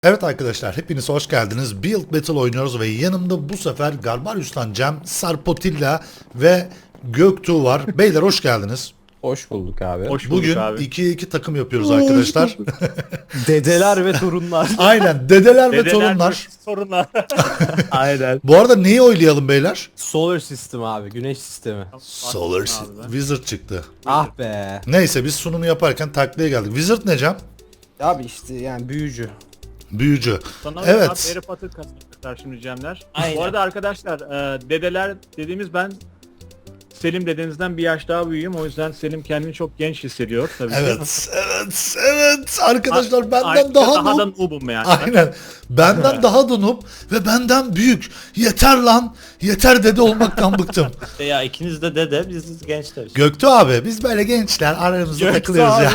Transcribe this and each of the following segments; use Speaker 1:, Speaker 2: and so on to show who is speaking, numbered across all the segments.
Speaker 1: Evet arkadaşlar, hepiniz hoş geldiniz. Build Battle oynuyoruz ve yanımda bu sefer Garbarius'tan Cem, Sarpotilla ve Göktuğ var. Beyler hoş geldiniz.
Speaker 2: Hoş bulduk abi.
Speaker 3: Hoş bulduk
Speaker 1: Bugün
Speaker 3: abi.
Speaker 1: 2'ye 2 takım yapıyoruz arkadaşlar.
Speaker 2: Dedeler ve torunlar.
Speaker 1: Aynen, dedeler ve torunlar.
Speaker 3: Sorunlar. Aynen.
Speaker 1: Bu arada neyi oylayalım beyler?
Speaker 2: Solar System abi, güneş sistemi.
Speaker 1: Solar Wizard çıktı.
Speaker 2: Ah be.
Speaker 1: Neyse biz sunumu yaparken taklaya geldik. Wizard ne Cem?
Speaker 2: Abi işte yani büyücü.
Speaker 1: Büyücü.
Speaker 3: Sana
Speaker 1: Evet.
Speaker 3: Harry Potter kasacaklar şimdi Cemler.
Speaker 2: Aynen.
Speaker 3: Bu arada arkadaşlar dedeler dediğimiz ben Selim dedenizden bir yaş daha büyüğüm. O yüzden Selim kendini çok genç hissediyor tabii ki.
Speaker 1: Evet. Arkadaşlar benden
Speaker 3: Ayrıca
Speaker 1: daha
Speaker 3: da
Speaker 1: noob.
Speaker 3: noobum yani.
Speaker 1: Aynen. Benden daha da noob ve benden büyük. Yeter lan. Yeter dede olmaktan bıktım.
Speaker 4: Ya ikiniz de dede, biz gençleriz.
Speaker 1: Göktuğ abi biz böyle gençler aramızda
Speaker 3: Göktuğ
Speaker 1: takılıyoruz ya.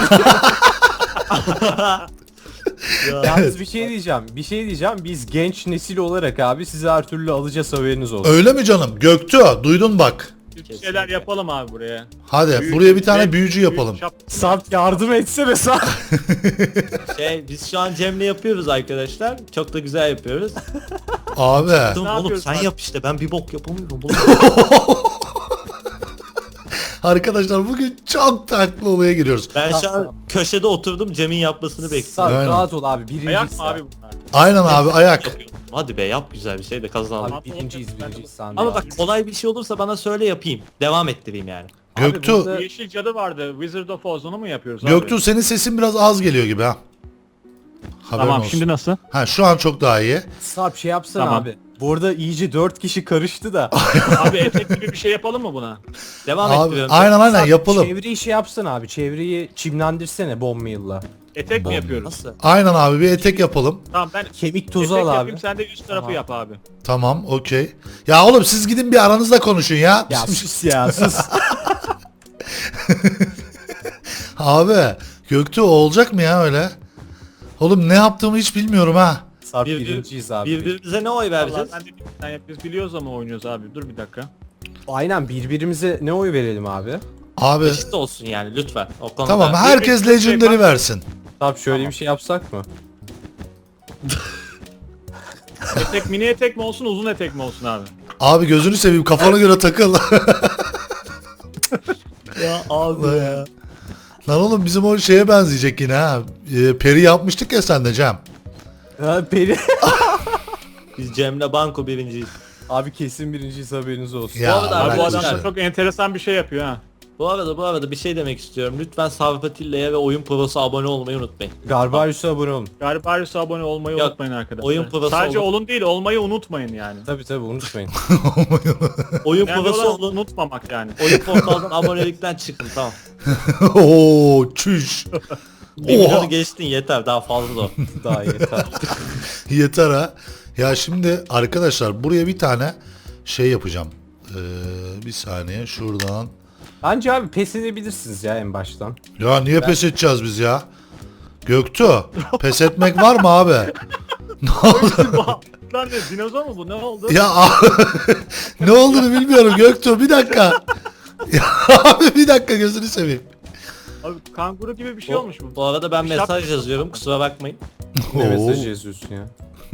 Speaker 2: Yalnız bir şey diyeceğim. Biz genç nesil olarak abi sizi her türlü alacağız, haberiniz olsun.
Speaker 1: Öyle mi canım? Göktuğ duydun bak.
Speaker 3: Bir şeyler yapalım abi buraya.
Speaker 1: Hadi
Speaker 3: Büyük-
Speaker 1: buraya bir tane
Speaker 3: büyük-
Speaker 1: büyücü
Speaker 3: büyük
Speaker 1: yapalım.
Speaker 2: Sarp yardım etsene Sarp.
Speaker 4: Biz şu an Cem'le yapıyoruz arkadaşlar. Çok da güzel yapıyoruz.
Speaker 1: Abi.
Speaker 4: Oğlum
Speaker 3: yapıyoruz
Speaker 4: sen
Speaker 3: abi?
Speaker 4: yap işte, ben bir bok yapamıyorum.
Speaker 1: Arkadaşlar bugün çok tatlı olaya giriyoruz.
Speaker 4: Ben şu an köşede oturdum, Cem'in yapmasını bekliyorum.
Speaker 2: Sarp
Speaker 1: Aynen.
Speaker 2: rahat ol abi, birinciyiz.
Speaker 3: Ayak mı abi bunlar?
Speaker 1: Aynen abi ayak.
Speaker 4: Yapıyorum. Hadi be, yap güzel bir şey de kazanalım.
Speaker 2: Abi birinciyiz sen de.
Speaker 4: Ama bak, kolay bir şey olursa bana söyle, yapayım. Devam ettireyim yani.
Speaker 1: Göktuğ.
Speaker 2: burada-
Speaker 3: Yeşil cadı vardı. Wizard of Oz, onu mu yapıyoruz abi?
Speaker 1: Göktuğ senin sesin biraz az geliyor gibi ha. Haberin
Speaker 3: Tamam
Speaker 1: olsun.
Speaker 3: şimdi nasıl?
Speaker 1: Ha şu an çok daha iyi.
Speaker 2: Sarp şey yapsana
Speaker 3: Tamam.
Speaker 2: abi. Bu arada iyice 4 kişi karıştı da.
Speaker 3: Abi etek gibi bir şey yapalım mı buna?
Speaker 4: Devam
Speaker 1: Abi
Speaker 4: ettiriyorum.
Speaker 1: aynen
Speaker 2: Sarp,
Speaker 1: yapalım.
Speaker 2: Çevreyi şey yapsana abi. Çevreyi çimlendirsene bomb yılla.
Speaker 3: Etek mi yapıyoruz?
Speaker 4: Nasıl?
Speaker 1: Aynen abi bir etek yapalım.
Speaker 3: Tamam ben
Speaker 2: Kemik tozu
Speaker 3: etek
Speaker 2: al abi.
Speaker 3: yapayım, sen de üst tarafı
Speaker 2: Tamam.
Speaker 3: yap abi.
Speaker 1: Tamam okey. Ya oğlum siz gidin bir aranızda konuşun ya.
Speaker 2: Ya sus ya sus.
Speaker 1: Abi Göktuğ olacak mı ya öyle? Oğlum ne yaptığımı hiç bilmiyorum ha.
Speaker 2: Sarp birinciyiz abi.
Speaker 4: Birbirimize ne oy
Speaker 3: Vallahi
Speaker 4: vereceğiz?
Speaker 3: ben de biz biliyoruz ama oynuyoruz abi. Dur bir dakika.
Speaker 2: Aynen, birbirimize ne oy verelim abi?
Speaker 1: Abi
Speaker 4: Eşit olsun yani, lütfen. O konuda.
Speaker 1: tamam herkes
Speaker 3: bir- bir-
Speaker 1: Legendary versin.
Speaker 2: Sarp şöyle bir şey yapsak mı?
Speaker 3: Etek mini etek mi olsun, uzun etek mi olsun abi?
Speaker 1: Abi gözünü seveyim kafana göre takıl.
Speaker 4: Ya abi ya.
Speaker 1: Lan oğlum bizim o şeye benzeyecek yine ha. Peri yapmıştık ya sen de Cem.
Speaker 2: Ha Peri.
Speaker 4: Biz Cem'le banko birinciyiz.
Speaker 2: Abi kesin birinciyiz, haberiniz olsun.
Speaker 1: Ya,
Speaker 4: Bu arada
Speaker 3: Abi bu
Speaker 1: bırak
Speaker 3: adam
Speaker 1: işte.
Speaker 3: çok enteresan bir şey yapıyor ha.
Speaker 4: Bu arada bir şey demek istiyorum. Lütfen Sarpatilla'ya ve Oyun Pro'sa abone olmayı unutmayın.
Speaker 2: Garbarius'a abone olun.
Speaker 3: Garbarius'a abone olmayı
Speaker 4: Yok,
Speaker 3: unutmayın arkadaşlar.
Speaker 4: oyun provası
Speaker 3: Sadece
Speaker 4: olur.
Speaker 3: olun değil, olmayı unutmayın yani.
Speaker 2: Tabi unutmayın.
Speaker 4: Oyun
Speaker 3: Yani
Speaker 4: Pro'sa
Speaker 3: olan
Speaker 4: olun.
Speaker 3: unutmamak yani.
Speaker 4: Oyun portaldan abonelikten çıkın, tamam.
Speaker 1: Oo çüş.
Speaker 4: 1 milyonu
Speaker 1: Oha.
Speaker 4: geçtin, yeter, daha fazla da.
Speaker 2: Daha yeter.
Speaker 1: Yeter ha. Ya şimdi arkadaşlar buraya bir tane şey yapacağım. Bir saniye şuradan.
Speaker 2: Bence abi pes edebilirsiniz ya en baştan.
Speaker 1: Ya niye pes edeceğiz biz ya? Göktuğ pes etmek var mı abi? Ne oldu?
Speaker 3: Lan ne, dinozor mu bu, ne oldu?
Speaker 1: Ya ne olduğunu bilmiyorum Göktuğ bir dakika. Ya abi bir dakika gözünü seveyim.
Speaker 3: Abi kanguru gibi bir şey olmuş bu.
Speaker 4: Bu arada ben
Speaker 3: Bir şap-
Speaker 4: mesaj yazıyorum, kusura bakmayın.
Speaker 2: Ne
Speaker 1: Oo.
Speaker 2: mesaj yazıyorsun ya?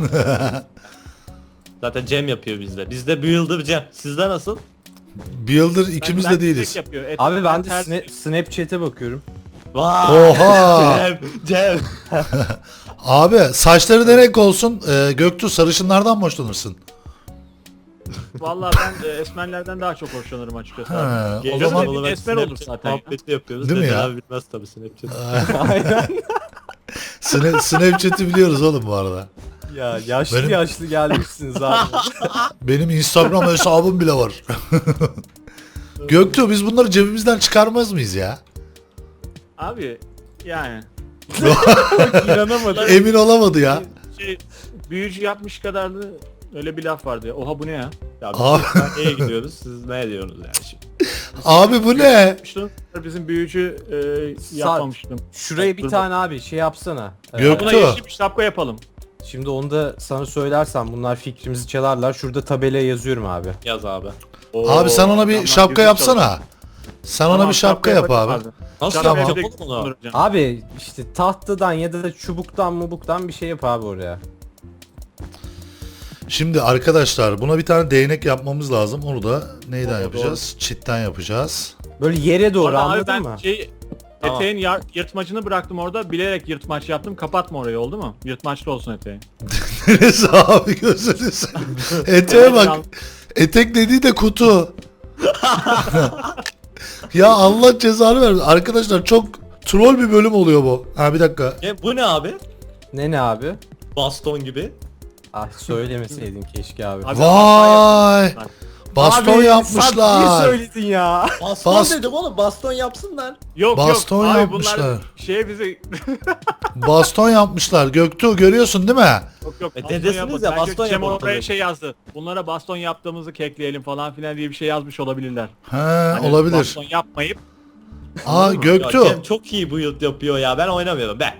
Speaker 4: Zaten Cem yapıyor bizde. Bizde Builder Cem. Sizde nasıl?
Speaker 1: Builder ikimiz de değiliz.
Speaker 3: tek yapıyor.
Speaker 2: Abi ben de
Speaker 3: ters-
Speaker 2: Snapchat'e bakıyorum.
Speaker 4: Vay!
Speaker 1: Oha.
Speaker 4: Cem!
Speaker 1: Abi saçları ne renk olsun? Göktuğ sarışınlardan mı hoşlanırsın?
Speaker 3: Vallahi ben esmerlerden daha çok hoşlanırım açıkçası.
Speaker 1: Ha,
Speaker 3: abi.
Speaker 1: o
Speaker 3: Gözü
Speaker 1: zaman-
Speaker 3: dediğin esmer olur zaten ya.
Speaker 4: Muhabbeti yapıyoruz.
Speaker 1: Değil mi
Speaker 4: Dedeler
Speaker 1: ya?
Speaker 4: bilmez tabii Snapchat.
Speaker 2: Aynen.
Speaker 1: Snapchat'i biliyoruz oğlum bu arada.
Speaker 2: Ya yaşlı
Speaker 1: Benim-
Speaker 2: yaşlı gelmişsiniz abi.
Speaker 1: Benim Instagram hesabım bile var. Göktuğ biz bunları cebimizden çıkarmaz mıyız ya?
Speaker 3: Abi yani
Speaker 2: İnanamadım.
Speaker 1: Emin olamadı ya.
Speaker 3: şey büyücü yapmış kadar da öyle bir laf vardı ya. Oha bu ne ya?
Speaker 4: Ya biz
Speaker 1: Abi,
Speaker 4: nereye gidiyoruz? Siz ne diyorsunuz yani şimdi?
Speaker 1: abi bu ne?
Speaker 3: Bizim büyücü yapmamıştım.
Speaker 2: Şuraya bir
Speaker 3: Dur
Speaker 2: tane abi şey yapsana.
Speaker 1: Gök-
Speaker 3: Buna
Speaker 1: Göktuğ.
Speaker 3: yeşil bir şapka yapalım.
Speaker 2: Şimdi onu da sana söylersem bunlar fikrimizi çalarlar. Şurada tabelaya yazıyorum abi.
Speaker 4: Yaz abi.
Speaker 3: Oo,
Speaker 1: Abi sen ona bir
Speaker 3: adamlar
Speaker 1: şapka
Speaker 3: güzel
Speaker 1: yapsana. Sen ona
Speaker 3: Tamam,
Speaker 1: bir şapka yap abi.
Speaker 4: Nasıl
Speaker 1: Tamam.
Speaker 4: yapacağım oğlum onu?
Speaker 2: Abi işte tahtadan ya da çubuktan mubuktan bir şey yap abi oraya.
Speaker 1: Şimdi arkadaşlar buna bir tane değnek yapmamız lazım. Onu da neyden
Speaker 3: Doğru,
Speaker 1: yapacağız? Çitten yapacağız.
Speaker 2: Böyle yere doğru
Speaker 3: Orada abi
Speaker 2: anladın
Speaker 3: ben
Speaker 2: mı?
Speaker 4: Tamam.
Speaker 3: eteğin yırtmacını bıraktım orada. Bilerek yırtmaç yaptım. Kapatma orayı, oldu mu? Yırtmaçlı olsun eteği.
Speaker 1: Neresi abi gözünü seveyim. Eteğe bak. Etek dediği de kutu. Ya Allah cezanı versin. Arkadaşlar çok troll bir bölüm oluyor bu. Ha bir dakika.
Speaker 4: Bu ne abi?
Speaker 2: Ne abi?
Speaker 4: Baston gibi.
Speaker 2: Ah söylemeseydin keşke abi.
Speaker 3: Abi,
Speaker 1: Vay. Baston
Speaker 2: Abi,
Speaker 1: yapmışlar.
Speaker 2: Niye söyledin ya?
Speaker 4: Baston dedim oğlum, baston yapsınlar.
Speaker 3: Yok
Speaker 1: Baston
Speaker 3: yok. Abi
Speaker 1: yapmışlar.
Speaker 3: bunlar bizi...
Speaker 1: Baston yapmışlar. Göktuğ görüyorsun değil mi?
Speaker 3: Yok yok.
Speaker 4: dedesiniz
Speaker 3: yapmadı.
Speaker 4: ya,
Speaker 3: Belki
Speaker 4: baston
Speaker 3: Cem
Speaker 4: yapalım
Speaker 3: oraya
Speaker 4: tabii.
Speaker 3: şey yazdı. Bunlara baston yaptığımızı kekleyelim falan filan diye bir şey yazmış olabilirler.
Speaker 1: He
Speaker 3: Hani
Speaker 1: olabilir.
Speaker 3: Baston yapmayıp
Speaker 1: Aa
Speaker 4: Ya
Speaker 1: Göktuğ.
Speaker 4: Cem çok iyi build yapıyor ya, ben oynamıyorum be.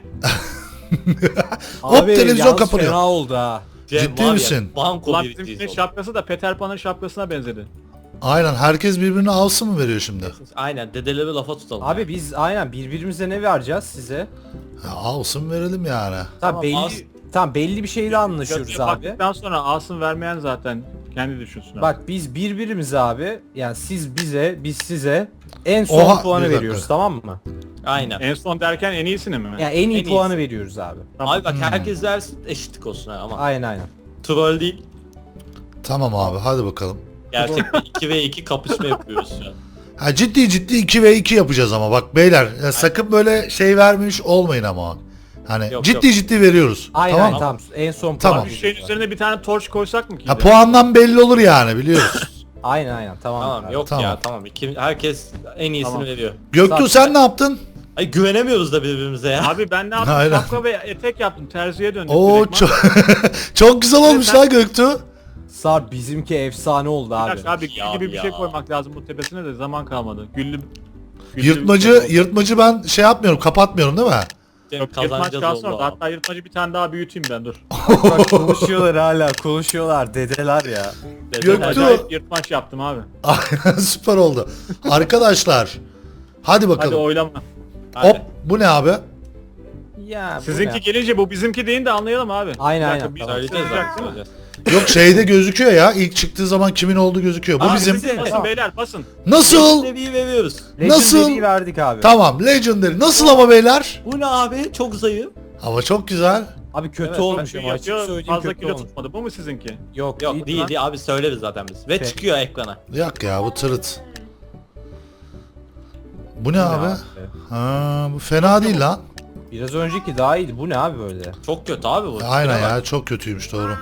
Speaker 1: Hop, televizyon
Speaker 2: yalnız
Speaker 1: kapanıyor.
Speaker 2: Fena oldu ha.
Speaker 4: Cem
Speaker 1: Ciddi
Speaker 4: var ya,
Speaker 1: misin?
Speaker 4: banko
Speaker 3: ulan
Speaker 4: biriktiği
Speaker 3: bizimkinin
Speaker 4: oldu.
Speaker 3: şapkası da Peter Pan'ın şapkasına benzedi.
Speaker 1: Aynen herkes birbirine avsı mı veriyor şimdi?
Speaker 4: Aynen, dedeleri lafa tutalım.
Speaker 2: Abi biz aynen birbirimize ne vereceğiz size?
Speaker 1: Ya avsın verelim yani.
Speaker 2: Tamam belli
Speaker 4: az-
Speaker 2: belli bir şeyle anlaşıyoruz
Speaker 3: Götüne
Speaker 2: abi.
Speaker 3: baktıktan sonra alsın vermeyen zaten kendi düşünsün. abi.
Speaker 2: Bak biz birbirimize abi yani siz bize biz size en son
Speaker 1: Oha,
Speaker 2: puanı
Speaker 1: bir dakika.
Speaker 2: veriyoruz tamam mı?
Speaker 4: Aynen.
Speaker 3: En son derken en iyisini mi?
Speaker 2: Yani en iyi
Speaker 4: En
Speaker 2: puanı
Speaker 4: iyisi.
Speaker 2: veriyoruz abi.
Speaker 4: Abi bak, herkes versin, eşitlik olsun ha, ama
Speaker 2: Aynen.
Speaker 4: troll değil.
Speaker 1: Tamam abi hadi bakalım.
Speaker 4: Gerçek bir 2 ve 2 kapışma yapıyoruz şu an.
Speaker 1: Ha ciddi ciddi 2 ve 2 yapacağız ama bak beyler ya sakın böyle şey vermiş olmayın ama. Hani
Speaker 4: Yok,
Speaker 1: ciddi
Speaker 4: yok.
Speaker 1: ciddi veriyoruz.
Speaker 2: Aynen
Speaker 1: tamam mı?
Speaker 2: tamam. En son
Speaker 1: Tamam.
Speaker 2: puan.
Speaker 3: Bir şeyin üzerine bir tane torç koysak mı ki?
Speaker 1: Ha puandan belli olur yani biliyoruz.
Speaker 2: Aynen tamam.
Speaker 4: Tamam
Speaker 2: abi.
Speaker 4: yok
Speaker 1: Tamam.
Speaker 4: ya, tamam. Herkes en iyisini
Speaker 3: Tamam.
Speaker 4: veriyor.
Speaker 1: Göktuğ sen ne yaptın?
Speaker 4: Ay güvenemiyoruz da birbirimize ya.
Speaker 3: Abi ben ne yaptım?
Speaker 1: Aynen.
Speaker 3: Şapka ve etek yaptım. Terziye döndüm.
Speaker 1: Oo
Speaker 3: direktman.
Speaker 1: çok çok güzel olmuş
Speaker 3: Sen-
Speaker 1: lan Göktuğ.
Speaker 2: Sar bizimki efsane oldu
Speaker 3: Bir
Speaker 2: abi.
Speaker 3: dakika abi gül
Speaker 4: Ya,
Speaker 3: gibi bir şey
Speaker 4: ya.
Speaker 3: koymak lazım bu tepesine de zaman kalmadı. Güllü
Speaker 1: Yırtmacı ben şey yapmıyorum kapatmıyorum değil mi?
Speaker 4: Cem
Speaker 3: Yok, yırtmaç
Speaker 4: kazanacağız
Speaker 3: kalsın
Speaker 4: oldu
Speaker 3: orada.
Speaker 4: abi.
Speaker 3: Hatta yırtmacı bir tane daha büyüteyim ben, dur.
Speaker 2: Bak konuşuyorlar hala konuşuyorlar dedeler ya.
Speaker 1: Göktuğ.
Speaker 3: Acayip yırtmaç yaptım abi.
Speaker 1: Süper oldu. Arkadaşlar hadi
Speaker 3: Hadi
Speaker 1: bakalım.
Speaker 3: oylama.
Speaker 4: Hadi.
Speaker 1: Hop bu ne abi?
Speaker 2: Ya bu
Speaker 3: Sizinki
Speaker 2: ne?
Speaker 3: gelince bu bizimki deyin de anlayalım abi.
Speaker 2: Aynen,
Speaker 3: Bir dakika,
Speaker 2: aynen,
Speaker 3: bir
Speaker 2: tamam.
Speaker 4: Söyleyeceğiz
Speaker 3: sızacak
Speaker 4: abi,
Speaker 3: değil mi?
Speaker 4: söyleyeceğiz.
Speaker 1: Yok şeyde gözüküyor ya ilk çıktığı zaman kimin olduğu gözüküyor. Bu
Speaker 4: Aa,
Speaker 1: bizim.
Speaker 4: bizim-
Speaker 3: Basın
Speaker 2: Tamam.
Speaker 3: beyler basın.
Speaker 1: Nasıl?
Speaker 4: Seviyeyi veriyoruz.
Speaker 1: Nasıl?
Speaker 2: Legendary'i verdik abi.
Speaker 1: Tamam Legendary. Nasıl ama beyler?
Speaker 4: Bu ne abi? Çok zayıf.
Speaker 1: Hava çok güzel.
Speaker 2: Abi kötü
Speaker 4: Evet,
Speaker 2: olmuş
Speaker 3: Şey
Speaker 2: ama açık
Speaker 3: yapıyor,
Speaker 2: söyleyeyim
Speaker 3: fazla
Speaker 2: kötü
Speaker 3: kilo
Speaker 2: olmuş.
Speaker 3: tutmadı. Bu mu sizinki?
Speaker 2: Yok,
Speaker 4: Yok değil
Speaker 2: lan.
Speaker 4: değil abi, söyleriz zaten biz. Ve
Speaker 2: Peki.
Speaker 4: çıkıyor ekrana.
Speaker 1: Yok ya bu tırıt. Bu ne abi? Ha bu fena değil lan.
Speaker 2: Biraz önceki daha iyiydi. Bu ne abi böyle?
Speaker 4: Çok kötü abi bu.
Speaker 1: Aynen
Speaker 4: Şuna bak.
Speaker 1: ya çok kötüymüş doğru.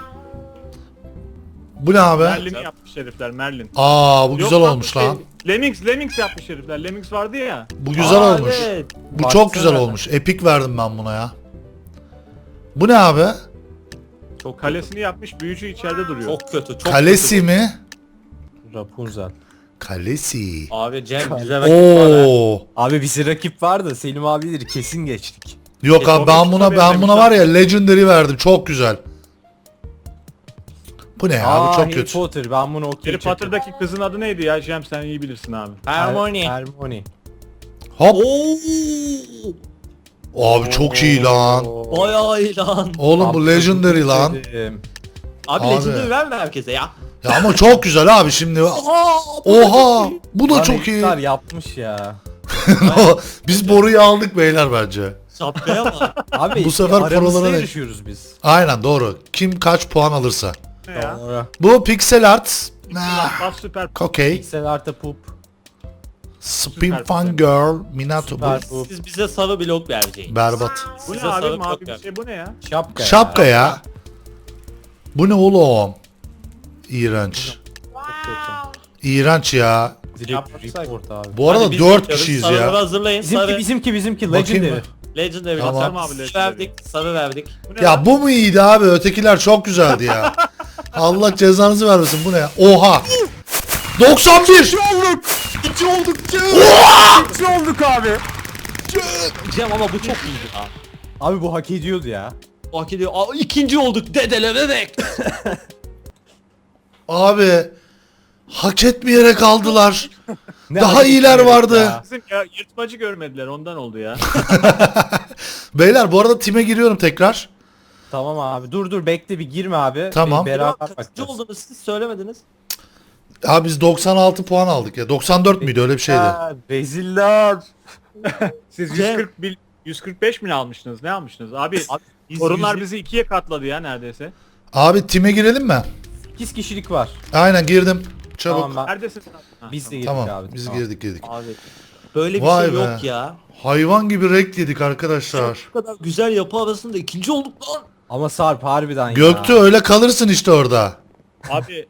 Speaker 1: Bu ne abi?
Speaker 3: Merlin'i yapmış herifler, Merlin.
Speaker 1: Aa bu
Speaker 3: Yok
Speaker 1: güzel
Speaker 3: lan,
Speaker 1: olmuş
Speaker 3: şey,
Speaker 1: lan.
Speaker 3: Lemmings yapmış herifler. Lemmings vardı ya.
Speaker 1: Bu güzel
Speaker 4: Aa,
Speaker 1: olmuş.
Speaker 4: evet.
Speaker 1: Bu
Speaker 2: Baksana
Speaker 1: çok güzel
Speaker 2: ben.
Speaker 1: olmuş. Epik verdim ben buna ya. Bu ne abi?
Speaker 4: Çok kötü.
Speaker 3: Kalesini yapmış, büyücü içeride duruyor.
Speaker 4: Çok kötü. Çok
Speaker 1: Kalesi
Speaker 4: kötü.
Speaker 1: mi?
Speaker 2: Rapunzel.
Speaker 1: Kalesi.
Speaker 4: Abi Cem bize rakip var ha.
Speaker 1: Oo.
Speaker 2: Abi bize rakip vardı. Selim abileri kesin geçtik.
Speaker 1: Yok abi ben buna var ya Legendary verdim. Çok güzel. Bu ne ya? Bu çok
Speaker 2: Harry
Speaker 1: kötü.
Speaker 2: Potter ben bunu okey
Speaker 3: Harry Potter'daki kızın adı neydi ya? Cem sen iyi bilirsin abi.
Speaker 4: Harmony.
Speaker 2: Hermione.
Speaker 1: Hop.
Speaker 4: Oo.
Speaker 1: Abi çok iyi lan.
Speaker 4: Bayağı iyi lan.
Speaker 1: Oğlum bu Legendary lan.
Speaker 2: Dedim.
Speaker 4: Abi,
Speaker 1: Abi.
Speaker 4: Legendary verme herkese ya.
Speaker 1: Ya ama çok güzel abi şimdi.
Speaker 4: Oha.
Speaker 1: Oha. Bu da
Speaker 2: Lan
Speaker 1: çok iyi.
Speaker 2: herifler yapmış ya.
Speaker 1: Biz boruyu aldık beyler bence.
Speaker 4: Şapkaya bak.
Speaker 2: Abi
Speaker 1: Bu sefer
Speaker 2: aramızda
Speaker 1: prolara ne-
Speaker 2: yarışıyoruz biz.
Speaker 1: Aynen doğru. Kim kaç puan alırsa.
Speaker 3: Ne ya?
Speaker 2: Doğru.
Speaker 1: Bu pixel art. Nah,
Speaker 3: Bas süper.
Speaker 1: okey.
Speaker 2: Pixel artı poop.
Speaker 1: Spin Fun Girl. Minato.
Speaker 2: Süper
Speaker 1: Bu
Speaker 2: poop.
Speaker 4: Siz bize sarı blok vereceksiniz.
Speaker 1: berbat.
Speaker 3: Bu ne
Speaker 4: Size
Speaker 3: abi?
Speaker 4: sarı
Speaker 3: Mavi
Speaker 4: blok
Speaker 3: bir
Speaker 4: ver.
Speaker 3: şey, bu ne ya?
Speaker 2: Şapka.
Speaker 1: Şapka ya. Bu ne oğlum? İğrenç. İğrenç ya.
Speaker 2: Direkt
Speaker 3: Yapmasak.
Speaker 2: report abi.
Speaker 1: Bu arada
Speaker 4: Hadi biz
Speaker 1: 4
Speaker 4: yapıyoruz.
Speaker 1: kişiyiz
Speaker 4: Sarıları
Speaker 1: ya.
Speaker 4: hazırlayın. Sarı.
Speaker 2: Bizimki
Speaker 1: Bakayım
Speaker 2: Legendary.
Speaker 1: mı?
Speaker 4: Legendary.
Speaker 1: Tamam.
Speaker 4: Tamam.
Speaker 3: Abi, Legendary.
Speaker 4: Verdik. Sarı verdik.
Speaker 3: Bu ne
Speaker 1: Ya
Speaker 3: lan?
Speaker 1: bu mu iyiydi abi? Ötekiler çok güzeldi ya. Allah cezanızı vermesin bu ne ya? Oha. 91.
Speaker 2: olduk. 2 olduk. 2 olduk abi.
Speaker 4: Cem ama bu çok iyiydi ha.
Speaker 2: Abi bu hak ediyordu ya.
Speaker 4: Hak ediyor. Aa, ikinci olduk. Dedelere bek.
Speaker 1: Abi Hak etmeyerek aldılar.
Speaker 2: Ne
Speaker 1: Daha
Speaker 2: acı
Speaker 1: iyiler
Speaker 2: bir
Speaker 1: vardı.
Speaker 2: ya.
Speaker 3: Bizim ya yırtmacı görmediler ondan oldu ya.
Speaker 1: Beyler bu arada time giriyorum tekrar.
Speaker 2: Tamam abi dur bekle bir girme abi.
Speaker 1: Tamam.
Speaker 2: Bir beraber
Speaker 4: Kaçıncı
Speaker 2: bakacağız.
Speaker 4: oldunuz siz söylemediniz.
Speaker 1: Abi biz 96 puan aldık ya. 94 müydü öyle bir şeydi.
Speaker 2: Ha, reziller.
Speaker 3: Siz
Speaker 4: Cem.
Speaker 3: 145 mi almıştınız? Ne almıştınız? Abi
Speaker 4: Biz
Speaker 3: sorunlar
Speaker 4: 100
Speaker 3: bizi ikiye katladı ya neredeyse.
Speaker 1: Abi time girelim mi?
Speaker 2: 8 kişilik var.
Speaker 1: Aynen girdim. Çabuk.
Speaker 2: Tamam ben.
Speaker 3: Neredesin? Ha,
Speaker 2: Biz de
Speaker 3: tamam.
Speaker 2: girdik
Speaker 1: Tamam.
Speaker 2: abi.
Speaker 1: Biz
Speaker 2: tamam.
Speaker 1: girdik.
Speaker 4: Abi böyle bir
Speaker 1: Vay
Speaker 4: şey
Speaker 1: be.
Speaker 4: yok ya.
Speaker 1: Hayvan gibi renk yedik arkadaşlar.
Speaker 4: Bu kadar güzel yapı arasında ikinci olduk lan.
Speaker 2: Ama Sarp harbiden
Speaker 1: Göktuğ
Speaker 2: ya.
Speaker 1: öyle kalırsın işte orada.
Speaker 3: Abi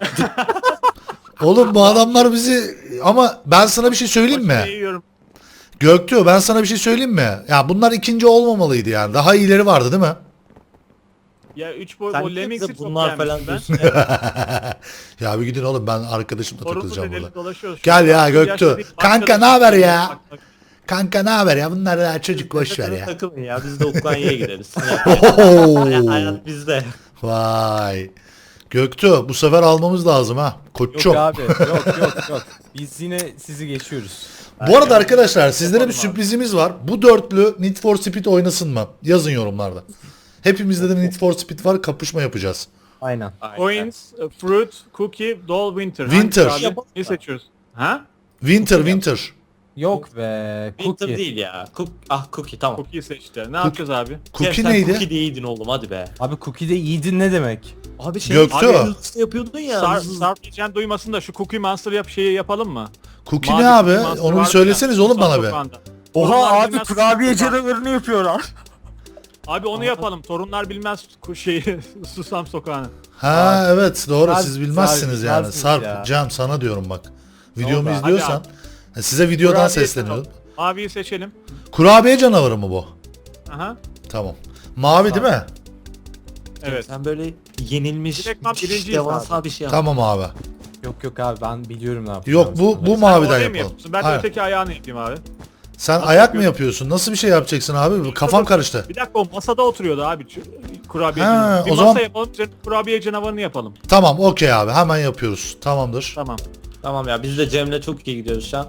Speaker 1: Oğlum bu adamlar bizi ama ben sana bir şey söyleyeyim mi?
Speaker 3: fasulye yiyorum.
Speaker 1: Göktuğ ben sana bir şey söyleyeyim mi? Ya bunlar ikinci olmamalıydı yani. Daha iyileri vardı değil mi?
Speaker 3: Ya 3 boy
Speaker 4: Sen
Speaker 3: o
Speaker 4: de
Speaker 3: Lemmings'i çok
Speaker 4: bunlar falan
Speaker 3: beğenmiştim
Speaker 4: diyorsun.
Speaker 1: Ya bir gidin oğlum ben arkadaşımla
Speaker 3: Torunlu
Speaker 1: takılacağım burada.
Speaker 3: dedeli dolaşıyoruz.
Speaker 1: Gel ya
Speaker 3: Yaşlı
Speaker 1: Göktuğ.
Speaker 3: bir
Speaker 1: Kanka
Speaker 3: arkadaş-
Speaker 1: ne haber ya? Kanka ne haber ya? Bunlar daha çocuk boş ver ya.
Speaker 4: Takılın ya biz de Ukrayna'ya gideriz.
Speaker 1: Oho!
Speaker 4: Hayat bizde.
Speaker 1: Vay. Göktuğ bu sefer almamız lazım ha. Koçum.
Speaker 2: Yok abi yok. Biz yine sizi geçiyoruz.
Speaker 1: Bu arada arkadaşlar sizlere bir sürprizimiz var. Bu dörtlü Need for Speed oynasın mı? Yazın yorumlarda. Hepimizde de Need for Speed var. Kapışma yapacağız.
Speaker 2: Aynen.
Speaker 3: Coins, fruit, cookie, doll, winter.
Speaker 1: Winter.
Speaker 3: Hangisi abi? Ne seçiyoruz? Ha?
Speaker 1: Winter.
Speaker 2: Yok be.
Speaker 4: Winter
Speaker 2: Cookie.
Speaker 4: değil ya. Cookie tamam.
Speaker 3: Cookie seçti. Ne yapacağız abi?
Speaker 1: Cookie
Speaker 4: Cem, sen
Speaker 1: neydi?
Speaker 4: Cookie de iyiydin oğlum hadi be.
Speaker 2: Abi cookie'de iyiydin ne demek?
Speaker 4: Abi şey
Speaker 1: Göktuğ.
Speaker 4: abi, hızlı yapıyordun ya.
Speaker 3: Sarp geçen duymasın da şu Cookie Monster şeyi yapalım mı?
Speaker 1: Cookie
Speaker 3: Mavi
Speaker 1: ne abi?
Speaker 3: Cookie Monster
Speaker 1: Onu bir
Speaker 3: vardı
Speaker 1: söyleseniz
Speaker 3: ya,
Speaker 1: oğlum bana
Speaker 3: Sultan
Speaker 1: be.
Speaker 3: Sokağı'nda.
Speaker 2: Oha
Speaker 3: Torunlar
Speaker 2: abi
Speaker 3: bilmez
Speaker 2: kurabiye
Speaker 3: Susam Sokağı.
Speaker 2: canavarını yapıyorlar.
Speaker 3: Abi onu yapalım. Torunlar bilmez şeyi Susam Sokağı'nı.
Speaker 1: Ha evet doğru
Speaker 2: Sarp-
Speaker 1: siz bilmezsiniz
Speaker 2: Sarp
Speaker 1: yani.
Speaker 2: bilmezsiniz
Speaker 1: Sarp,
Speaker 2: ya.
Speaker 1: Cem sana diyorum bak. Videomu
Speaker 2: oldu abi?
Speaker 1: izliyorsan size videodan
Speaker 3: Kurabiye
Speaker 1: sesleniyorum.
Speaker 3: yapalım. Maviyi seçelim.
Speaker 1: Kurabiye canavarı mı bu?
Speaker 3: Aha.
Speaker 1: Tamam. Mavi değil mi?
Speaker 3: Evet.
Speaker 4: Sen böyle yenilmiş
Speaker 3: Direktman birinciyiz
Speaker 4: devasa bir şey yap.
Speaker 1: Tamam abi.
Speaker 2: Yok abi ben biliyorum ne yapacağım.
Speaker 1: Yok bu
Speaker 3: Sen
Speaker 1: maviden
Speaker 3: oraya mı
Speaker 1: yapalım.
Speaker 3: yapıyorsun? Ben de
Speaker 1: Aynen.
Speaker 3: öteki ayağını yapayım abi.
Speaker 1: Sen ayak mı yapıyorsun? Nasıl bir şey yapacaksın abi? Kafam karıştı.
Speaker 3: Bir dakika o masada oturuyordu abi. Kurabiye
Speaker 1: Ha,
Speaker 3: canavarı. Bir
Speaker 1: o
Speaker 3: masa
Speaker 1: zaman-
Speaker 3: yapalım. Üzerine kurabiye canavarını yapalım.
Speaker 1: Tamam okey abi hemen yapıyoruz. Tamamdır.
Speaker 3: Tamam.
Speaker 4: Tamam ya biz de Cem'le çok iyi gidiyoruz şu an.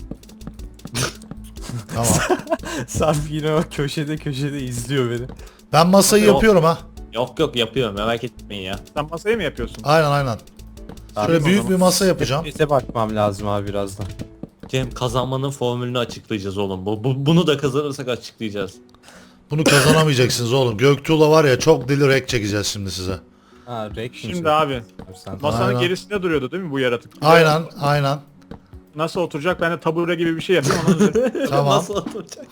Speaker 1: Tamam.
Speaker 2: Sarp yine o köşede izliyor beni.
Speaker 1: Ben masayı
Speaker 4: Yok.
Speaker 1: yapıyorum ha.
Speaker 4: Yok yapıyorum merak etmeyin ya.
Speaker 3: Sen masayı mı yapıyorsun?
Speaker 1: Aynen. Şöyle
Speaker 2: Abi,
Speaker 1: büyük bir masa yapacağım.
Speaker 2: Sese bakmam lazım abi birazdan.
Speaker 4: Cem kazanmanın formülünü açıklayacağız oğlum. Bunu da kazanırsak açıklayacağız.
Speaker 1: Bunu kazanamayacaksınız oğlum. Göktuğ'la var ya çok deli rek çekeceğiz şimdi size.
Speaker 2: Ha reaction.
Speaker 3: Şimdi abi.
Speaker 2: Sen.
Speaker 3: Masanın
Speaker 1: Aynen.
Speaker 3: gerisinde duruyordu değil mi bu yaratık?
Speaker 1: Aynen.
Speaker 3: Nasıl oturacak? Ben de tabure gibi bir şey yapayım. Onun üzerine
Speaker 1: Tamam.
Speaker 4: Nasıl oturacak?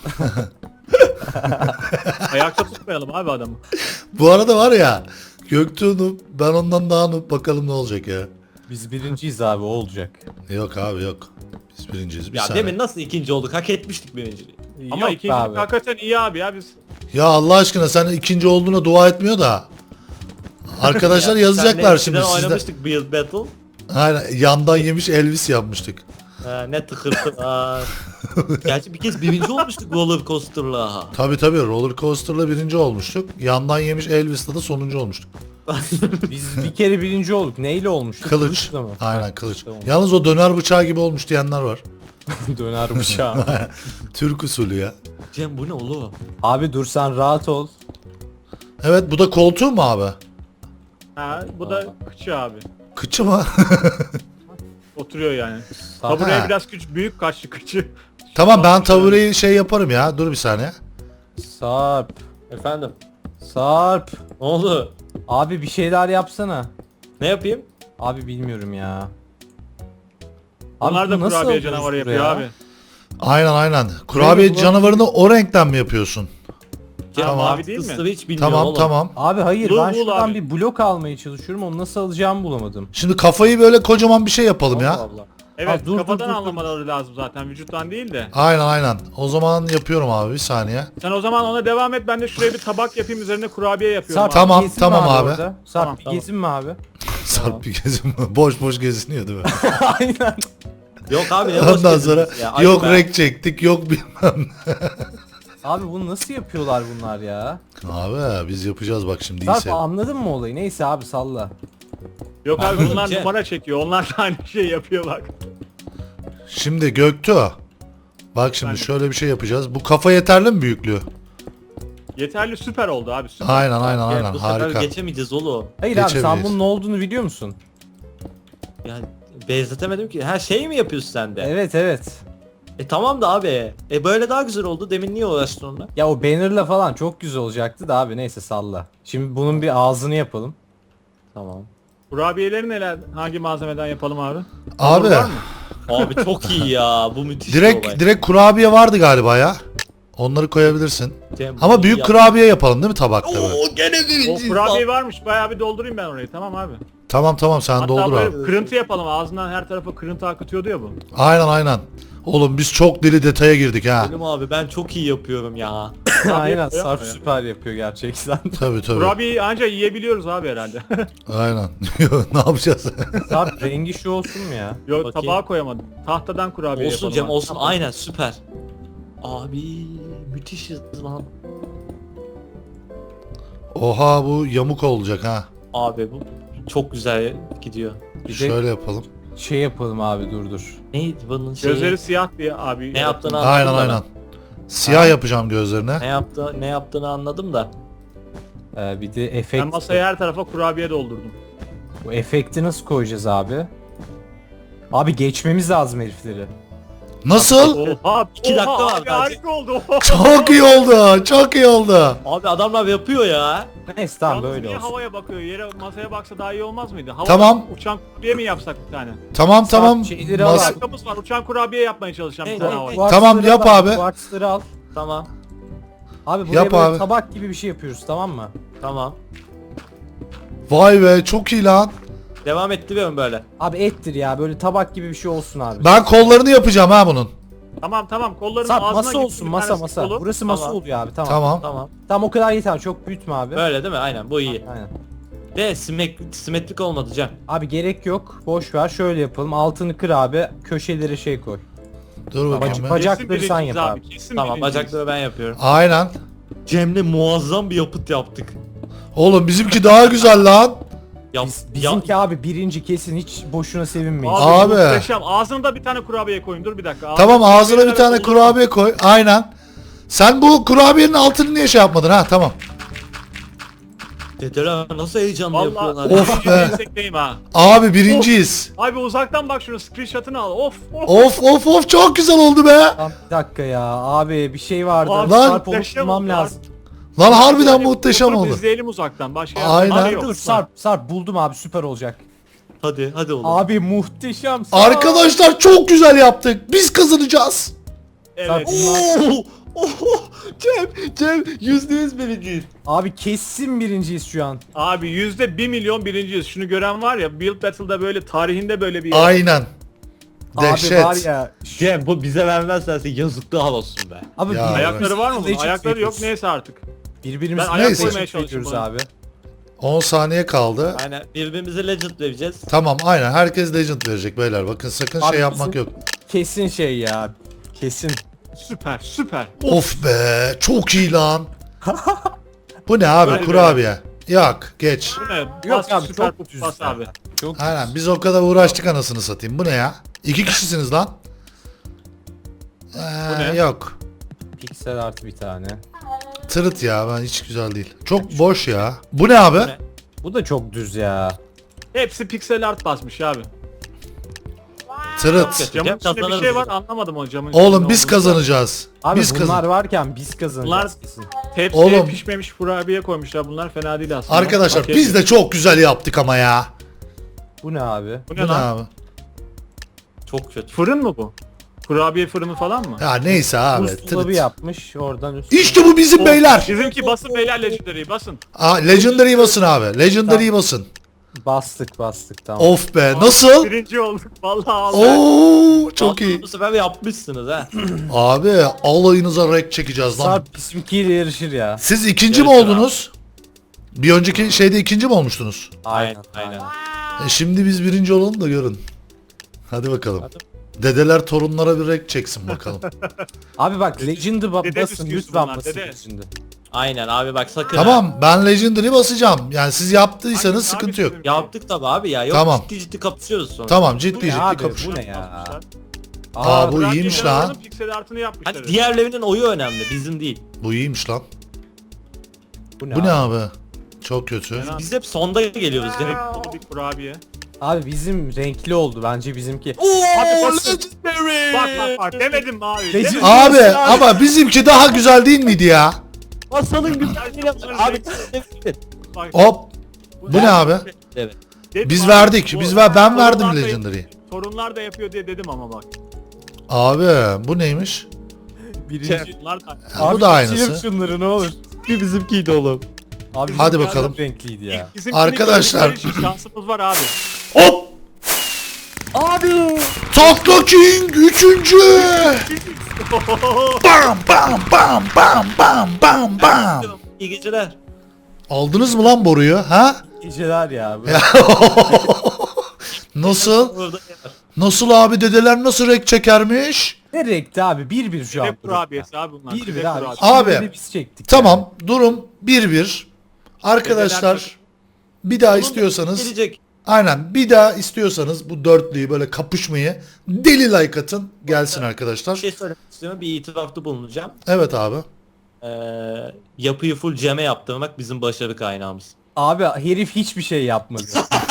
Speaker 3: ayakta tutmayalım abi adamı.
Speaker 1: Bu arada var ya Göktuğ noob, ben ondan daha noob, bakalım ne olacak ya.
Speaker 2: Biz birinciyiz abi o olacak.
Speaker 1: Yok abi yok. Biz birinciyiz bir
Speaker 4: Ya
Speaker 1: saniye.
Speaker 4: demin nasıl ikinci olduk? Hak etmiştik birinciliği.
Speaker 3: Ama
Speaker 2: Yok
Speaker 3: ikinci
Speaker 2: abi.
Speaker 3: hakikaten iyi abi ya biz.
Speaker 1: Ya Allah aşkına sen ikinci olduğuna dua etmiyor da. Arkadaşlar yazacaklar şimdi
Speaker 4: sizde.
Speaker 1: sizde.
Speaker 4: Oynamıştık Build Battle.
Speaker 1: Aynen yandan yemiş Elvis yapmıştık.
Speaker 4: Ne tıkırtılar. Gerçi bir kez birinci olmuştuk roller coaster'la.
Speaker 1: Tabi roller coaster'la birinci olmuştuk. Yandan yemiş Elvis'la da sonuncu olmuştuk.
Speaker 2: Biz bir kere birinci olduk. Neyle olmuştuk?
Speaker 1: Kılıç.
Speaker 2: Kılıçla mı?
Speaker 1: Aynen kılıç.
Speaker 2: Tamam.
Speaker 1: Yalnız o döner bıçağı gibi olmuş diyenler var.
Speaker 2: Döner bıçağı.
Speaker 1: Türk usulü ya.
Speaker 4: Cem bu ne oğlum?
Speaker 2: Abi dur sen rahat ol.
Speaker 1: Evet bu da koltuğu mu abi?
Speaker 3: Ha, bu da kıçı abi.
Speaker 1: Kıçı mı?
Speaker 3: Oturuyor yani.
Speaker 2: Sarp,
Speaker 3: Tabureye
Speaker 1: Ha.
Speaker 3: biraz büyük kaçtı kıçı.
Speaker 1: Tamam ben tabureyi şey yaparım ya. Dur bir saniye.
Speaker 2: Sarp.
Speaker 4: Efendim?
Speaker 2: Sarp.
Speaker 4: Ne oldu?
Speaker 2: Abi bir şeyler yapsana.
Speaker 4: Ne yapayım?
Speaker 2: Abi bilmiyorum ya.
Speaker 3: Onlar da
Speaker 2: bu nasıl
Speaker 3: kurabiye
Speaker 2: alıyoruz
Speaker 3: canavarı yapıyor
Speaker 2: buraya?
Speaker 3: abi.
Speaker 1: Aynen. Kurabiye
Speaker 2: Böyle
Speaker 1: canavarını o renkten mi yapıyorsun?
Speaker 4: Cem
Speaker 3: Tamam.
Speaker 4: mavi
Speaker 3: Mavi değil mi?
Speaker 4: kısmı hiç bilmiyorum
Speaker 1: Tamam
Speaker 4: oğlum.
Speaker 1: tamam.
Speaker 2: Abi hayır
Speaker 3: Bul,
Speaker 2: ben
Speaker 3: bul
Speaker 2: şuradan
Speaker 3: abi.
Speaker 2: bir blok almaya çalışıyorum. Onu nasıl alacağımı bulamadım.
Speaker 1: Şimdi kafayı böyle kocaman bir şey yapalım
Speaker 4: Allah
Speaker 1: ya.
Speaker 4: Allah.
Speaker 3: Evet
Speaker 2: Ha, dur,
Speaker 3: kafadan
Speaker 2: dur, dur.
Speaker 3: anlamaları lazım zaten vücuttan değil de.
Speaker 1: Aynen. O zaman yapıyorum abi bir saniye.
Speaker 3: Sen o zaman ona devam et ben de şuraya bir tabak yapayım üzerine kurabiye yapıyorum
Speaker 2: Sarp
Speaker 3: abi.
Speaker 1: Tamam,
Speaker 2: gezin mi
Speaker 1: tamam abi.
Speaker 2: orada? Sarp
Speaker 3: Tamam,
Speaker 2: bir
Speaker 4: tamam.
Speaker 2: gezin mi abi?
Speaker 1: Sarp bir gezin boş geziniyor değil mi?
Speaker 2: Aynen.
Speaker 4: Yok abi ne boş
Speaker 1: Ondan
Speaker 4: gezdiniz
Speaker 1: sonra
Speaker 4: ya. Ayıp
Speaker 1: yok
Speaker 4: be.
Speaker 1: rek çektik yok bilmem.
Speaker 2: Abi bunu nasıl yapıyorlar bunlar ya?
Speaker 1: Abi biz yapacağız bak şimdi iyi
Speaker 2: Sarp
Speaker 1: sev.
Speaker 2: anladın mı olayı? Neyse abi salla.
Speaker 3: Yok abi
Speaker 4: Anladım,
Speaker 3: bunlar
Speaker 4: Cem.
Speaker 3: numara çekiyor. Onlar da aynı şey yapıyor bak.
Speaker 1: Şimdi Göktuğ. Bak şimdi
Speaker 3: Efendim?
Speaker 1: şöyle bir şey yapacağız. Bu kafa yeterli mi büyüklüğü?
Speaker 3: Yeterli süper oldu abi süper.
Speaker 1: Aynen aynen
Speaker 4: Ya,
Speaker 1: aynen
Speaker 4: bu sefer
Speaker 1: harika.
Speaker 4: geçemeyeceğiz oğlum.
Speaker 2: Hayır abi sen
Speaker 1: Geçemeyiz.
Speaker 2: bunun ne olduğunu biliyor musun?
Speaker 4: Yani benzetemedim ki. Her şey mi yapıyorsun sen de?
Speaker 2: Evet evet.
Speaker 4: Tamam da abi. Böyle daha güzel oldu. Demin niye uğraştın onunla?
Speaker 2: Ya o bannerla falan çok güzel olacaktı da abi neyse salla. Şimdi bunun bir ağzını yapalım.
Speaker 4: Tamam.
Speaker 3: Kurabiyeleri neler? Hangi malzemeden yapalım abi?
Speaker 1: Abi
Speaker 3: Var mı?
Speaker 4: Abi çok iyi ya. Bu müthiş bir
Speaker 1: direkt
Speaker 4: olay.
Speaker 1: direkt kurabiye vardı galiba ya. Onları koyabilirsin.
Speaker 4: Cem,
Speaker 1: Ama
Speaker 4: bunu
Speaker 1: büyük
Speaker 4: yap-
Speaker 1: kurabiye yapalım değil mi tabakta böyle?
Speaker 4: Oo gene
Speaker 3: O
Speaker 4: birinci
Speaker 3: kurabiye varmış. Bayağı bir doldurayım ben orayı. Tamam abi.
Speaker 1: Tamam tamam sen
Speaker 3: Hatta
Speaker 1: doldur
Speaker 3: böyle
Speaker 1: abi.
Speaker 3: kırıntı yapalım. Ağzından her tarafa kırıntı akıtıyordu ya bu.
Speaker 1: Aynen aynen. Oğlum biz çok deli detaya girdik ha.
Speaker 4: Selim abi ben çok iyi yapıyorum ya.
Speaker 2: Aynen
Speaker 3: yapıyor
Speaker 2: Sarp
Speaker 3: ya.
Speaker 2: süper yapıyor gerçekten.
Speaker 1: Tabii tabii.
Speaker 3: Kurabiyeyi anca yiyebiliyoruz abi herhalde.
Speaker 1: Aynen. ne yapacağız?
Speaker 2: Sarp rengi şu olsun mu ya?
Speaker 3: Yok
Speaker 4: Bakayım.
Speaker 3: tabağa koyamadım. Tahtadan kurabiye
Speaker 4: Olsun
Speaker 3: yapalım.
Speaker 4: Cem
Speaker 3: abi.
Speaker 4: olsun aynen süper. Abi müthişiz lan.
Speaker 1: Oha bu yamuk olacak ha.
Speaker 4: Abi bu çok güzel gidiyor.
Speaker 2: Bir de
Speaker 1: Şöyle yapalım.
Speaker 2: şey yapalım abi dur.
Speaker 4: Neydi bunun şeyi?
Speaker 3: Gözleri siyah diye abi.
Speaker 4: Ne yaptığını anladım
Speaker 1: Aynen
Speaker 4: da ben.
Speaker 1: aynen. Siyah yapacağım gözlerine.
Speaker 4: Ne yaptığını anladım da.
Speaker 2: Bir de efekt.
Speaker 3: Ben masaya her tarafa kurabiye doldurdum.
Speaker 2: Bu efekti nasıl koyacağız abi? Abi geçmemiz lazım herifleri.
Speaker 1: Nasıl?
Speaker 3: Oha,
Speaker 4: 2 dakika
Speaker 3: oha
Speaker 4: var
Speaker 3: abi
Speaker 4: bence.
Speaker 3: harika oldu.
Speaker 1: Çok iyi oldu. Çok iyi oldu.
Speaker 4: Abi adamlar yapıyor ya.
Speaker 2: Neyse tamam
Speaker 3: Yalnız
Speaker 2: böyle
Speaker 3: niye
Speaker 2: olsun.
Speaker 3: havaya bakıyor? Yere masaya baksa daha iyi olmaz mıydı? Havada
Speaker 1: Tamam.
Speaker 3: uçan kurabiye mi yapsak bir tane?
Speaker 1: Tamam tamam.
Speaker 2: şeyleri al
Speaker 3: Bir
Speaker 2: abi.
Speaker 3: dakikamız var. Uçan kurabiye yapmaya çalışacağım bir
Speaker 4: Hey,
Speaker 3: tane
Speaker 4: hey,
Speaker 3: havaya.
Speaker 4: hey.
Speaker 1: Tamam,
Speaker 2: Kuartzları
Speaker 1: yap
Speaker 2: al
Speaker 1: abi.
Speaker 2: Kuartzları al.
Speaker 4: Tamam.
Speaker 2: Abi buraya
Speaker 1: Yap
Speaker 2: böyle
Speaker 1: abi.
Speaker 2: tabak gibi bir şey yapıyoruz tamam mı?
Speaker 4: Tamam.
Speaker 1: Vay be çok iyi lan.
Speaker 4: Devam ettiriyorum böyle.
Speaker 2: Abi ettir ya böyle tabak gibi bir şey olsun abi.
Speaker 1: Ben kollarını yapacağım ha bunun.
Speaker 3: Tamam kolların
Speaker 2: Sarp
Speaker 3: ağzına
Speaker 2: masa
Speaker 3: gitsin
Speaker 2: olsun
Speaker 3: bir
Speaker 2: masa
Speaker 3: tanesi
Speaker 2: masa.
Speaker 3: kolu.
Speaker 2: Burası masa
Speaker 4: Tamam.
Speaker 2: oluyor abi tamam.
Speaker 1: Tamam.
Speaker 4: Tamam.
Speaker 2: Tamam o kadar yeter çok büyütme abi.
Speaker 4: Böyle değil mi? Aynen bu iyi.
Speaker 2: Aynen.
Speaker 4: De simetrik olmadı Cem.
Speaker 2: Abi gerek yok. Boş ver şöyle yapalım. Altını kır abi. Köşelere şey koy.
Speaker 1: Dur bakayım ben.
Speaker 2: Bacakları
Speaker 3: Kesin
Speaker 2: sen
Speaker 3: birinciyiz
Speaker 2: yap abi.
Speaker 3: Kesin
Speaker 4: Tamam
Speaker 3: birinciyiz.
Speaker 4: bacakları ben yapıyorum.
Speaker 1: Aynen.
Speaker 4: Cem'le muazzam bir yapıt yaptık.
Speaker 1: Oğlum bizimki daha güzel lan.
Speaker 4: Yap,
Speaker 2: Bizimki abi birinci kesin hiç boşuna sevinmeyin.
Speaker 1: Abi.
Speaker 3: Muhteşem. Ağzına da bir tane kurabiye koyun. Dur bir dakika.
Speaker 1: Tamam ağzına bir
Speaker 3: kurabiyelerle
Speaker 1: tane
Speaker 3: doldur.
Speaker 1: kurabiye koy. Aynen. Sen bu kurabiyenin altını niye şey yapmadın ha? Tamam.
Speaker 4: Dedeler nasıl heyecanlı
Speaker 3: Vallahi
Speaker 4: yapıyorlar.
Speaker 1: Of be.
Speaker 3: Destekleyin ha.
Speaker 1: Abi birinciyiz.
Speaker 3: Abi uzaktan bak şunu screenshot'ını al. Of.
Speaker 1: Of of of çok güzel oldu be.
Speaker 2: Tamam, bir dakika ya abi bir şey vardı.
Speaker 3: Abi,
Speaker 1: Lan.
Speaker 2: Sarp
Speaker 3: muhteşem
Speaker 2: bulmam
Speaker 3: oldu
Speaker 2: lazım.
Speaker 1: Lan harbiden
Speaker 3: Yani
Speaker 1: muhteşem
Speaker 3: oturup
Speaker 1: oldu.
Speaker 3: İzleyelim uzaktan. Başka
Speaker 1: Aynen.
Speaker 3: yapacak bir
Speaker 2: Abi
Speaker 3: şey yok.
Speaker 2: dur Sarp buldum abi süper olacak.
Speaker 4: Hadi oğlum.
Speaker 2: Abi muhteşem. Sarp.
Speaker 1: Arkadaşlar çok güzel yaptık. Biz kazanacağız.
Speaker 3: Evet.
Speaker 2: Sarp, bunlar-
Speaker 4: Cem %100 birinciyiz.
Speaker 2: Abi kesin birinciyiz şu an.
Speaker 3: Abi %1 milyon birinciyiz. Şunu gören var ya Build Battle'da böyle tarihinde böyle bir
Speaker 1: Aynen.
Speaker 2: Abi var
Speaker 1: Dehşet.
Speaker 2: ya.
Speaker 4: Cem bu bize vermezlerse yazıklar olsun be.
Speaker 2: Abi
Speaker 1: Ya.
Speaker 3: Ayakları var mı bunun?
Speaker 2: Legend
Speaker 3: Ayakları yok
Speaker 2: veriyoruz.
Speaker 3: neyse artık.
Speaker 2: Birbirimize
Speaker 3: Ben ayak
Speaker 1: Neyse.
Speaker 3: koymaya çalışıyorum
Speaker 2: veriyoruz
Speaker 3: buna.
Speaker 2: abi.
Speaker 1: 10 saniye kaldı.
Speaker 4: Aynen birbirimize legend vereceğiz.
Speaker 1: Tamam aynen herkes legend verecek beyler. Bakın sakın
Speaker 2: Abi
Speaker 1: şey yapmak
Speaker 2: bizim-
Speaker 1: yok.
Speaker 2: Kesin şey ya. Kesin.
Speaker 3: Süper.
Speaker 1: Of be çok iyi lan. Bu ne abi
Speaker 3: Böyle
Speaker 1: kurabiye? Yok geç.
Speaker 3: Bu ne?
Speaker 2: Yok
Speaker 3: Pas,
Speaker 2: abi
Speaker 3: süper
Speaker 2: çok düz
Speaker 3: pas
Speaker 2: ya.
Speaker 3: abi.
Speaker 2: Çok
Speaker 1: Aynen biz o kadar uğraştık anasını satayım. Bu ne ya? 2 kişisiniz lan.
Speaker 3: ne?
Speaker 1: Yok.
Speaker 2: piksel artı bir tane.
Speaker 1: Tırıt ya ben hiç güzel değil. Çok boş ya. Bu ne abi?
Speaker 4: Bu ne?
Speaker 2: Bu da çok düz ya.
Speaker 3: Hepsi pixel art basmış abi.
Speaker 1: Tırıt.
Speaker 3: Camın
Speaker 4: Cem
Speaker 3: içinde bir
Speaker 4: kazanır
Speaker 3: şey var
Speaker 4: mısın?
Speaker 3: anlamadım o camın
Speaker 1: Oğlum
Speaker 3: içinde
Speaker 1: biz
Speaker 3: olduğunu.
Speaker 1: kazanacağız.
Speaker 2: Abi
Speaker 1: Biz
Speaker 2: bunlar
Speaker 1: kazan.
Speaker 2: varken biz kazanacağız
Speaker 3: Bunlar-
Speaker 2: kesin.
Speaker 3: Tepsiye
Speaker 1: Oğlum.
Speaker 3: pişmemiş kurabiye koymuşlar. Bunlar fena değil aslında.
Speaker 1: Arkadaşlar
Speaker 3: Okey.
Speaker 1: biz de çok güzel yaptık ama ya.
Speaker 2: Bu ne abi?
Speaker 3: Bu
Speaker 1: Bu
Speaker 3: ne
Speaker 1: ne
Speaker 3: lan?
Speaker 1: abi?
Speaker 4: Çok kötü.
Speaker 3: Fırın mı bu? Kurabiye fırını falan mı?
Speaker 1: Ya neyse abi.
Speaker 2: Buzdolabı
Speaker 1: Tırıt.
Speaker 2: yapmış oradan üstüne.
Speaker 1: İşte bu bizim
Speaker 3: Of,
Speaker 1: beyler.
Speaker 3: Bizimki basın beyler Legendary'i basın.
Speaker 1: Aa, Legendary'i basın abi. Legendary'i basın.
Speaker 2: Bastık tamam.
Speaker 1: Of be nasıl?
Speaker 3: Birinci olduk. Vallahi aldık.
Speaker 1: Oo çok iyi.
Speaker 4: Bu sefer yapmışsınız ha.
Speaker 1: Abi alayınıza rek çekeceğiz lan.
Speaker 2: Sarp bizimkiyle yarışır ya.
Speaker 1: Siz ikinci mi
Speaker 4: Yarışır
Speaker 1: oldunuz? Bir önceki şeyde ikinci mi olmuştunuz?
Speaker 4: Aynen.
Speaker 1: Şimdi biz birinci olalım da görün. Hadi bakalım.
Speaker 4: Hadi.
Speaker 1: Dedeler torunlara bir rek çeksin bakalım.
Speaker 2: Abi bak Legend'ı
Speaker 3: Dede
Speaker 2: basın
Speaker 3: bisküvisi
Speaker 2: lütfen
Speaker 3: bunlar,
Speaker 2: basın
Speaker 3: dede.
Speaker 2: Legend'ı.
Speaker 4: Aynen abi bak sakın. ha.
Speaker 1: Tamam ben Legendary basacağım. Yani siz yaptıysanız
Speaker 3: Hangisi
Speaker 1: sıkıntı
Speaker 3: abi
Speaker 1: yok.
Speaker 3: sizin?
Speaker 4: Yaptık tabi abi ya. Yok
Speaker 1: Tamam.
Speaker 4: ciddi ciddi kapışıyoruz sonra.
Speaker 1: Tamam
Speaker 2: Bu
Speaker 1: ciddi
Speaker 2: ne
Speaker 1: ciddi
Speaker 2: abi,
Speaker 1: kapış.
Speaker 2: bu ne ya?
Speaker 3: Basmışlar.
Speaker 1: Aa, bu
Speaker 3: Bırak
Speaker 1: iyiymiş
Speaker 3: kenara
Speaker 1: lan.
Speaker 3: alalım, Piksel artını yapmışlar.
Speaker 4: Hani diğerlerinin oyu önemli bizim değil.
Speaker 1: Bu iyiymiş lan.
Speaker 2: Bu ne,
Speaker 1: Bu ne
Speaker 2: abi?
Speaker 1: abi? Çok kötü.
Speaker 3: Fena.
Speaker 4: Biz hep sonda geliyoruz.
Speaker 3: Direkt
Speaker 4: Direkt.
Speaker 3: dolu bir kurabiye.
Speaker 2: Abi bizim renkli oldu bence bizimki.
Speaker 4: Ooo
Speaker 3: basın.
Speaker 4: legendary.
Speaker 3: Bak demedim mi abi.
Speaker 2: Legend-
Speaker 3: Demedim.
Speaker 1: Abi ama bizimki daha güzel değil miydi ya?
Speaker 4: Masanın güzelliğine bak. Abi
Speaker 3: Bak,
Speaker 1: Hop. Bu ne abi?
Speaker 4: evet.
Speaker 3: dedim
Speaker 1: Biz
Speaker 3: abi,
Speaker 1: verdik.
Speaker 3: bu-
Speaker 1: Ben verdim
Speaker 3: sorunlar da-
Speaker 1: Legendary'i.
Speaker 3: Sorunlar da yapıyor diye dedim ama bak.
Speaker 1: Abi bu neymiş?
Speaker 2: Birinci.
Speaker 3: Bunlar da
Speaker 1: Ha, bu da aynısı.
Speaker 2: Silip şunları ne olur.
Speaker 4: Bir bizimkiydi oğlum.
Speaker 2: Abi
Speaker 1: Hadi
Speaker 2: bizimki
Speaker 1: bakalım.
Speaker 2: çok renkliydi ya.
Speaker 3: bizimkini
Speaker 1: Arkadaşlar.
Speaker 3: gördükleri için şansımız var abi.
Speaker 1: Hop!
Speaker 4: Abi.
Speaker 1: Takla King 3. Bam bam bam bam bam bam bam.
Speaker 4: İyi geceler.
Speaker 1: Aldınız mı lan boruyu ha?
Speaker 2: Geceler ya.
Speaker 1: Nasıl?
Speaker 4: Orada
Speaker 1: Nasıl abi dedeler nasıl renk çekermiş?
Speaker 2: Ne renkti abi? 1-1 şu an.
Speaker 3: Hep kurabiyesi abi bunlar.
Speaker 2: 1-1
Speaker 3: Hep
Speaker 2: abi.
Speaker 3: kurabiye.
Speaker 1: Abi,
Speaker 2: Şimdi de biz çektik.
Speaker 1: Tamam durum 1-1. Arkadaşlar bir daha istiyorsanız
Speaker 4: gelecek.
Speaker 1: aynen bir daha istiyorsanız bu dörtlüyü böyle kapışmayı deli like atın gelsin
Speaker 4: Bir
Speaker 1: arkadaşlar.
Speaker 4: şey söylemek istiyorum. Bir itirafta bulunacağım.
Speaker 1: Evet abi.
Speaker 4: Yapıyı full ceme yaptırmak bizim başarı kaynağımız.
Speaker 2: Abi herif hiçbir şey yapmadı.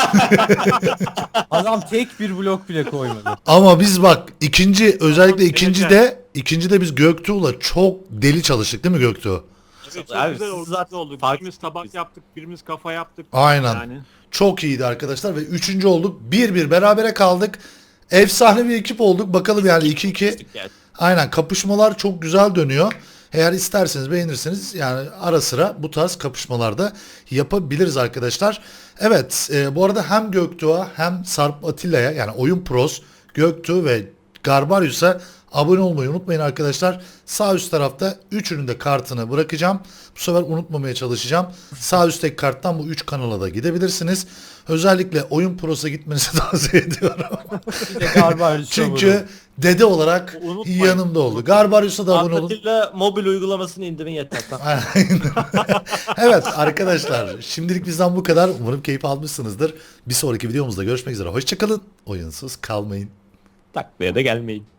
Speaker 2: Adam tek bir blok bile koymadı.
Speaker 1: Ama biz bak özellikle
Speaker 3: Tamam,
Speaker 1: ikincide biz Göktuğ'la çok deli çalıştık değil mi Göktuğ?
Speaker 3: Evet, çok
Speaker 4: Abi,
Speaker 3: güzel
Speaker 4: siz
Speaker 3: oldu.
Speaker 4: zaten
Speaker 3: Oldu.
Speaker 4: fark-
Speaker 3: Birimiz tabak yaptık, birimiz kafa yaptık.
Speaker 1: Aynen.
Speaker 3: Yani.
Speaker 1: Çok iyiydi arkadaşlar ve üçüncü olduk. 1-1 berabere kaldık. Efsane bir ekip olduk. Bakalım yani 2-2.
Speaker 4: Yani.
Speaker 1: Aynen kapışmalar çok güzel dönüyor. Eğer isterseniz beğenirseniz yani ara sıra bu tarz kapışmalarda yapabiliriz arkadaşlar. Evet bu arada hem Göktuğ'a hem Sarp Atilla'ya yani Oyun Pros, Göktuğ ve Garbarius'a abone olmayı unutmayın arkadaşlar. Sağ üst tarafta üçünün de kartını bırakacağım. Bu sefer unutmamaya çalışacağım. Sağ üstteki karttan bu 3 kanala da gidebilirsiniz. Özellikle Oyun Pros'a gitmenizi tavsiye ediyorum.
Speaker 2: Bir de Garbarius
Speaker 1: Çünkü dede olarak
Speaker 3: Unutmayın.
Speaker 1: yanımda oldu. Garbarius'a da abone olun.
Speaker 4: Atilla mobil uygulamasını indirin yeter. Tamam.
Speaker 1: Aynen. Evet arkadaşlar şimdilik bizden bu kadar. Umarım keyif almışsınızdır. Bir sonraki videomuzda görüşmek üzere. Hoşçakalın. Oyunsuz kalmayın.
Speaker 4: Taklaya da gelmeyin.